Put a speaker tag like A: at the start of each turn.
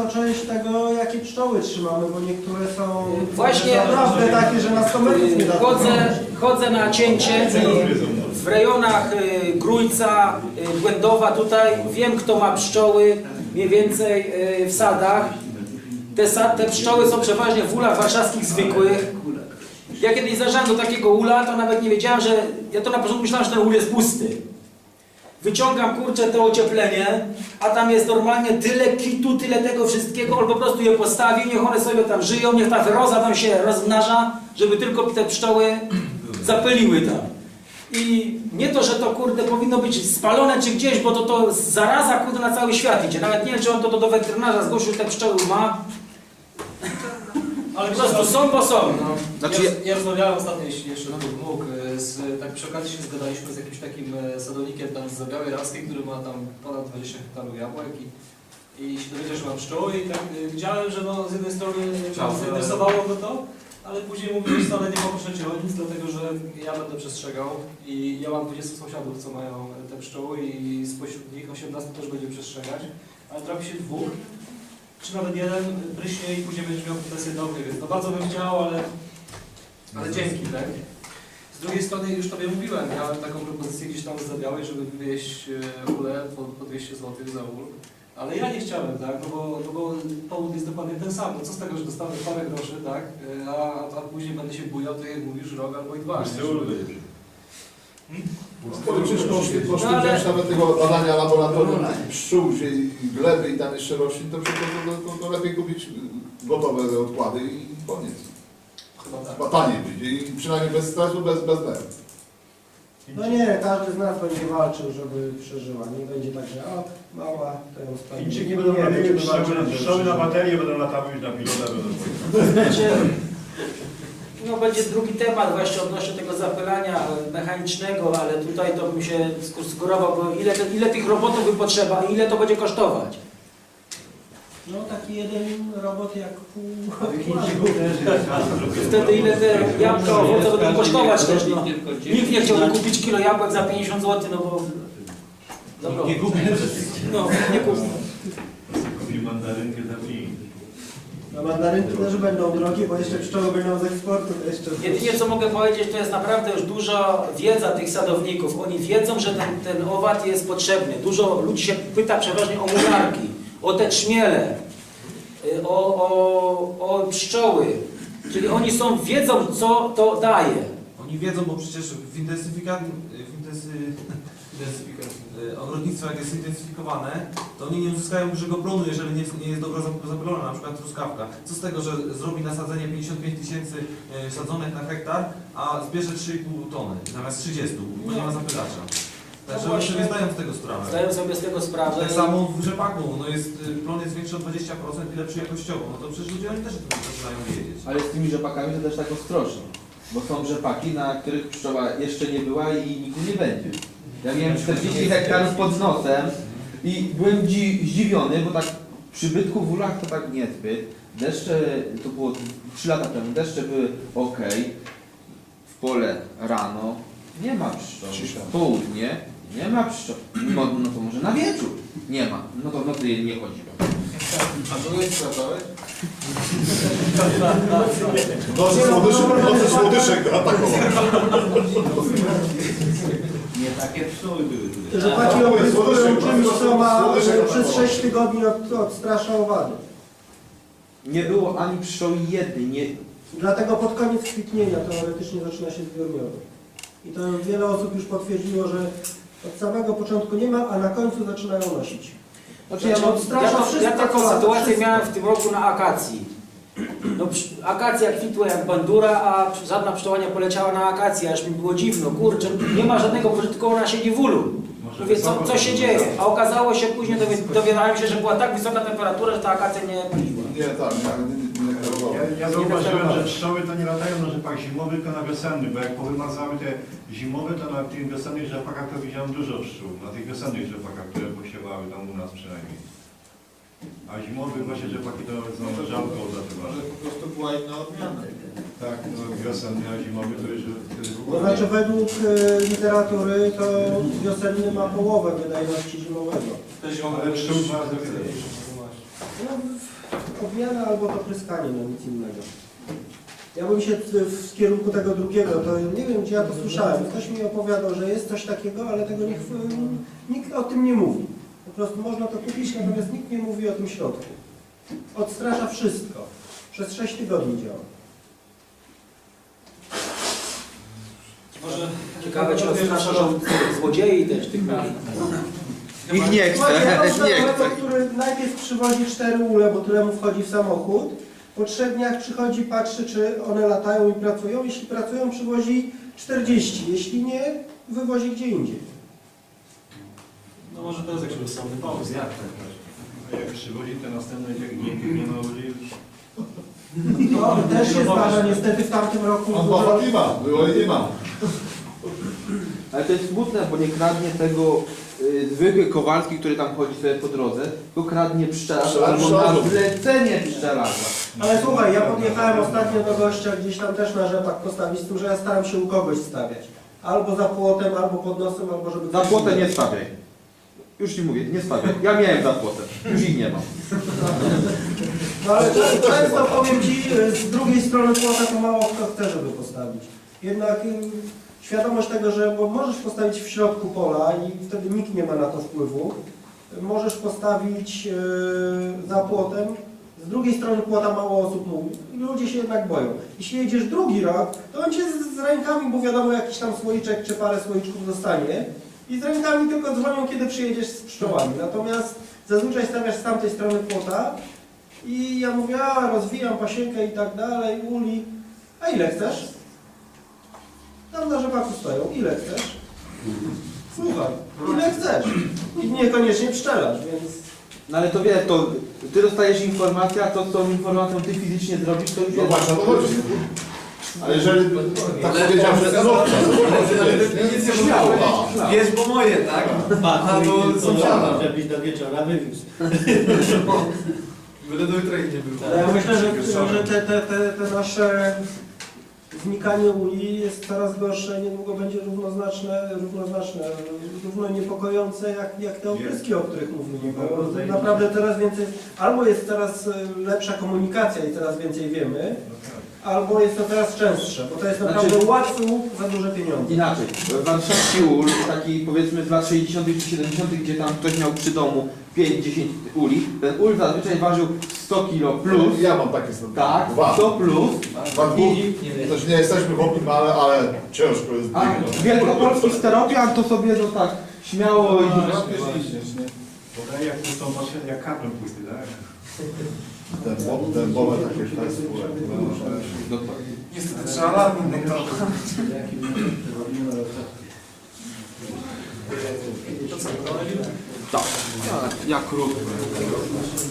A: część tego, jakie pszczoły trzymamy, bo niektóre są
B: właśnie
A: naprawdę takie, że na 100 metrów nie da.
B: Chodzę na cięcie i w rejonach Grójca, Błędowa tutaj wiem, kto ma pszczoły mniej więcej w sadach. Te pszczoły są przeważnie w ulach warszawskich zwykłych. Ja kiedyś zajrzałem do takiego ula, to nawet nie wiedziałem, że... Ja to na początku myślałem, że ten ul jest pusty. Wyciągam, kurczę, to ocieplenie, a tam jest normalnie tyle kitu, tyle tego wszystkiego, on po prostu je postawi, niech one sobie tam żyją, niech ta wyroza tam się rozmnaża, żeby tylko te pszczoły zapyliły tam. I nie to, że to, kurde, powinno być spalone czy gdzieś, bo to zaraza, kurde, na cały świat idzie. Nawet nie wiem, czy on to do weterynarza zgłosił, że te pszczoły ma. Ale po prostu są, bo są. No.
C: Znaczy, ja rozmawiałem ostatnio, jeśli jeszcze mógł, tak przy okazji się zgadaliśmy z jakimś takim sadownikiem tam z Białej Raskiej, który ma tam ponad 20 hektarów jabłek i się dowiedział, że ma pszczoły i tak widziałem, że no, z jednej strony zainteresowało go to, ale później mówił, że wcale nie poproszę Cię o nic, dlatego że ja będę przestrzegał i ja mam 20 sąsiadów, co mają te pszczoły i spośród nich 18 też będzie przestrzegać, ale trafi się dwóch, czy nawet jeden pryśnie i później będziesz miał pretensje do mnie, więc to bardzo bym chciał, ale dzięki, tak? Z drugiej strony już Tobie mówiłem, miałem taką propozycję gdzieś tam z Zabiałej, żeby wywieźć ulę po 200 zł za ul, ale ja nie chciałem, tak? No bo powód jest dokładnie ten sam. No co z tego, że dostanę parę groszy, tak? A później będę się bujał, to jak mówisz, rok albo i dwa.
D: Poszli wziąć nawet tego badania laboratorium pszczół i gleby i tam jeszcze roślin, to lepiej kupić gotowe odkłady i koniec.
C: Chyba tak.
D: Chyba taniej wyjdzie i przynajmniej bez stresu, bez nerw.
A: No nie, każdy z nas będzie walczył, żeby przeżyła. Nie będzie tak, że o, mała, to ją spali.
E: Chińczyki będą robiły pszczoły na baterię, będą latały już na pilota.
B: No będzie drugi temat właśnie odnośnie tego zapylania mechanicznego, ale tutaj to bym się sugerował, bo ile tych robotów by potrzeba i ile to będzie kosztować?
A: No taki jeden robot jak pół.
B: Wtedy ile te jabłka, owoce będą kosztować też, no. Nikt nie chciałby kupić kilo jabłek za 50 zł, no bo... Dobra.
E: Nie kupi.
B: No, nie kupi.
E: Kupi mandarynkę za 5.
A: No mandarynki też będą drogie, bo jeszcze pszczoły będą z eksportu.
B: Jedynie co mogę powiedzieć, to jest naprawdę już duża wiedza tych sadowników. Oni wiedzą, że ten owad jest potrzebny. Dużo ludzi się pyta przeważnie o mularki, o te trzmiele, o pszczoły. Czyli oni wiedzą, co to daje.
F: Oni wiedzą, bo przecież ogrodnictwo jak jest zintensyfikowane, to oni nie uzyskają dużego plonu, jeżeli nie jest dobrze zapylona, na przykład truskawka. Co z tego, że zrobi nasadzenie 55 000 sadzonek na hektar, a zbierze 3,5 tony zamiast 30, bo nie ma zapylacza. Także oni sobie zdają z tego sprawę.
B: Zdają sobie z tego sprawę.
F: Tak samo w rzepaku, plon jest większy o 20% i lepszy jakościowo, no to przecież ludzie oni też o tym zaczynają wiedzieć.
G: Ale z tymi rzepakami to też tak ostrożnie, bo są rzepaki, na których pszczoła jeszcze nie była i nigdy nie będzie. Ja miałem 40 hektarów pod nosem i byłem zdziwiony, bo tak przybytku w ulach to tak niezbyt. Deszcze, to było 3 lata temu, deszcze były ok. W pole rano nie ma pszczół. W południe nie ma pszczół. No to może na wieczór nie ma. No to w nocy nie chodziłem.
D: A to nie sprawdzałeś? Nocy słodyszek atakował.
E: Nie takie pszczoły były tutaj.
A: Rzepaki opryskują czymś, co ma przez 6 tygodni odstrasza owady.
G: Nie było ani pszczoły jednej.
A: Dlatego pod koniec kwitnienia teoretycznie zaczyna się zbiór miodu. I to wiele osób już potwierdziło, że od samego początku nie ma, a na końcu zaczynają nosić.
B: Znaczy, ja taką sytuację miałem w tym roku na akacji. No, akacja kwitła jak bandura, a żadna pszczoła nie poleciała na akację, aż mi było dziwno, kurczę, nie ma żadnego pożytku, ona siedzi w ulu. Mówię, co się dzieje? A okazało się, później dowiadałem się, że była tak wysoka temperatura, że ta akacja nie paliła.
D: Nie, tak, nie kierowałem.
E: Ja zauważyłem, że pszczoły to nie latają na rzepak zimowy, tylko na wiosenny, bo jak powymazały te zimowe, to na tych wiosennych rzepakach to widziałem dużo pszczół. Na tych wiosennych rzepakach, które posiewały tam u nas przynajmniej. A zimowych właśnie rzepaki to rzadko odlatywały.
D: Może po prostu była inna odmiana.
E: Tak, no wiosenny, a zimowy to już...
A: To znaczy według literatury to wiosenny ma połowę wydajności zimowego.
C: Te zimowe
E: Ale pszczół ma
A: No odmiana albo to pryskanie, no nic innego. Ja bym się w kierunku tego drugiego, to nie wiem gdzie ja to słyszałem. Ktoś mi opowiadał, że jest coś takiego, ale tego nikt o tym nie mówi. Po prostu można to kupić, natomiast nikt nie mówi o tym środku. Odstrasza wszystko. Przez 6 tygodni działa.
C: Może
B: Ciekawe, czy odstrasza, że złodziei też tych ludzi.
G: Ich nie chce,
A: Słuchajcie, ja mam
G: nie
A: znajomego,
G: chce.
A: który najpierw przywozi 4 ule, bo tyle mu wchodzi w samochód. Po 3 dniach przychodzi, patrzy, czy one latają i pracują. Jeśli pracują, przywozi 40. Jeśli nie, wywozi gdzie indziej.
C: no może to jest jakiś rozsądny pomysł.
E: A jak przywozi te następne, nie ma ludzi już.
A: No, też się zdarza niestety w tamtym roku.
D: On Boba nie ma, było i nie ma.
G: Ale to jest smutne, bo nie kradnie tego zwykły Kowalski, który tam chodzi sobie po drodze, tylko kradnie pszczelarza albo na zlecenie pszczelarza.
A: Ale słuchaj, ja podjechałem ostatnio do gościa gdzieś tam też na rzepak postawić, z tym, że ja staram się u kogoś stawiać. Albo za płotem, albo pod nosem, albo żeby...
G: Za płotę nie stawiaj. Już ci mówię, nie stawiaj. Ja miałem za płotem, już ich nie mam.
A: No ale często powiem Ci, z drugiej strony płota to mało kto chce, żeby postawić. Jednak świadomość tego, że bo możesz postawić w środku pola i wtedy nikt nie ma na to wpływu. Możesz postawić za płotem. Z drugiej strony płota mało osób mówi. Ludzie się jednak boją. Jeśli jedziesz drugi rok, to on Cię z rękami, bo wiadomo jakiś tam słoiczek czy parę słoiczków dostanie. I z rękami tylko dzwonią, kiedy przyjedziesz z pszczołami. Natomiast zazwyczaj stawiasz z tamtej strony płota i ja mówię, a rozwijam pasienkę i tak dalej, uli. A ile chcesz? Tam na rzepaku stoją. Ile chcesz? Słuchaj, ile chcesz? I niekoniecznie pszczelarz, więc...
G: No ale to wiesz, to ty dostajesz informację, a to z tą informacją ty fizycznie zrobisz, to już
D: No
G: jest...
D: właśnie, o to chodzi. A jeżeli tak powiedział, że
C: Nic nie
D: śmiało.
C: Wiesz, bo moje, tak? Albo sąsiada.
H: Żebyś do wieczora wywiózł.
C: Byle do jutra ich nie było.
A: Ale ja myślę, że te nasze znikanie uli jest coraz gorsze, niedługo będzie równoznaczne, równo niepokojące jak te opryski, o których mówimy. Bo naprawdę coraz więcej, albo jest coraz lepsza komunikacja i coraz więcej wiemy, albo jest to teraz częstsze, bo to jest naprawdę łatwy łup za duże pieniądze.
G: Inaczej, warszawski ul, taki powiedzmy z lat 60. czy 70., gdzie tam ktoś miał przy domu 5-10 uli, ten ul zazwyczaj ważył 100 kg plus,
D: Ja mam takie sobie.
G: tak,
D: Dwa.
G: 100 plus,
D: Też nie jesteśmy chłopni, ale ciężko jest.
G: a wielkopolski steropian to sobie no tak śmiało i...
E: Podaje jak to są właśnie jak kaplem płyty, tak?
D: Ten Boba takie tak skórę.
C: Niestety trzeba lat.
G: Tak, ja krótko.